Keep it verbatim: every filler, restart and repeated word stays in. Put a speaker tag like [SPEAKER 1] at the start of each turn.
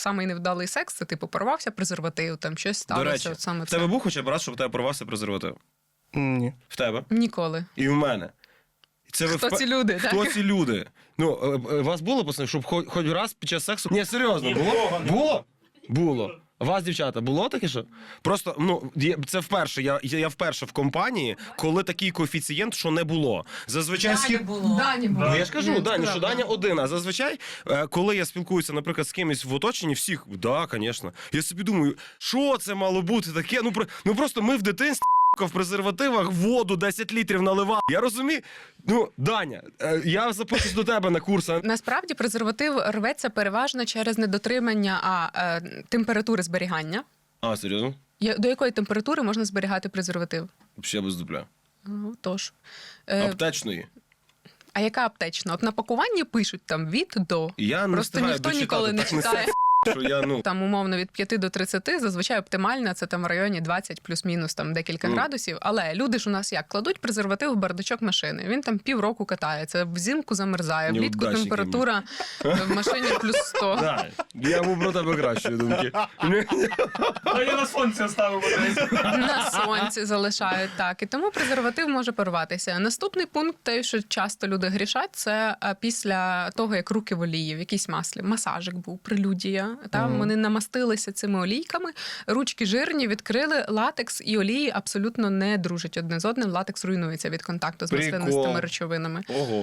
[SPEAKER 1] самий невдалий секс, це типу порвався презерватив, там щось сталося.
[SPEAKER 2] До речі,
[SPEAKER 1] от саме
[SPEAKER 2] в
[SPEAKER 1] це.
[SPEAKER 2] тебе був хоча б раз, щоб в тебе порвався презерватив?
[SPEAKER 3] Ні.
[SPEAKER 2] В тебе?
[SPEAKER 1] Ніколи.
[SPEAKER 2] І в мене. Це ви
[SPEAKER 1] Хто
[SPEAKER 2] впе-
[SPEAKER 1] ці люди,
[SPEAKER 2] Хто
[SPEAKER 1] так?
[SPEAKER 2] ці люди? Ну, е, е, вас було, пацани, щоб хоч, хоч раз під час сексу... Ні, серйозно, було?
[SPEAKER 3] Нікого не
[SPEAKER 2] Було? Було. А вас, дівчата, було таке, що? Просто, ну, є- це вперше, я, я, я вперше в компанії, коли такий коефіцієнт, що не було. Зазвичай... схід...
[SPEAKER 1] Дані було.
[SPEAKER 2] Ну, я ж кажу,
[SPEAKER 1] Ні,
[SPEAKER 2] Дані,
[SPEAKER 1] це
[SPEAKER 2] що
[SPEAKER 1] правда.
[SPEAKER 2] Даня один. А зазвичай, е, коли я спілкуюся, наприклад, з кимось в оточенні, всіх, да, звісно. Я собі думаю, що це мало бути таке? Ну, про- ну просто ми в дитинстві в презервативах воду десять літрів наливали. Я розумію. Ну, Даня, е, я запишусь до тебе на курс. а-
[SPEAKER 1] Насправді презерватив рветься переважно через недотримання а, е, температури зберігання.
[SPEAKER 2] А, серйозно?
[SPEAKER 1] Я- До якої температури можна зберігати презерватив?
[SPEAKER 2] Ще без дупля.
[SPEAKER 1] Ну, тож. Е,
[SPEAKER 2] Аптечної.
[SPEAKER 1] а яка аптечна? От на пакуванні пишуть там від до.
[SPEAKER 2] Я не
[SPEAKER 1] Просто
[SPEAKER 2] встигаю
[SPEAKER 1] ніхто
[SPEAKER 2] дочитати,
[SPEAKER 1] ніколи не
[SPEAKER 2] так несе,
[SPEAKER 1] читає.
[SPEAKER 2] що я, ну...
[SPEAKER 1] Там умовно від п'яти до тридцяти, зазвичай оптимальна, це там в районі двадцять плюс-мінус там декілька
[SPEAKER 2] Ну.
[SPEAKER 1] градусів. Але люди ж у нас як? Кладуть презерватив в бардачок машини. Він там півроку катається, взимку замерзає, влітку
[SPEAKER 2] Неудачники
[SPEAKER 1] температура в машині плюс сто.
[SPEAKER 2] Да, я був про тебе кращої думки.
[SPEAKER 3] А я на сонці оставив десь.
[SPEAKER 1] На сонці залишають так. І тому презерватив може порватися. Наступний пункт, те, що часто люди грішать, це е, після того, як руки в олії, в якійсь маслі. Масажик був, прелюдія. Там
[SPEAKER 2] Мгм.
[SPEAKER 1] вони намастилися цими олійками, ручки жирні, відкрили, латекс і олії абсолютно не дружать одне з одним. Латекс руйнується від контакту з
[SPEAKER 2] Прикол.
[SPEAKER 1] маслянистими речовинами.
[SPEAKER 2] Ого.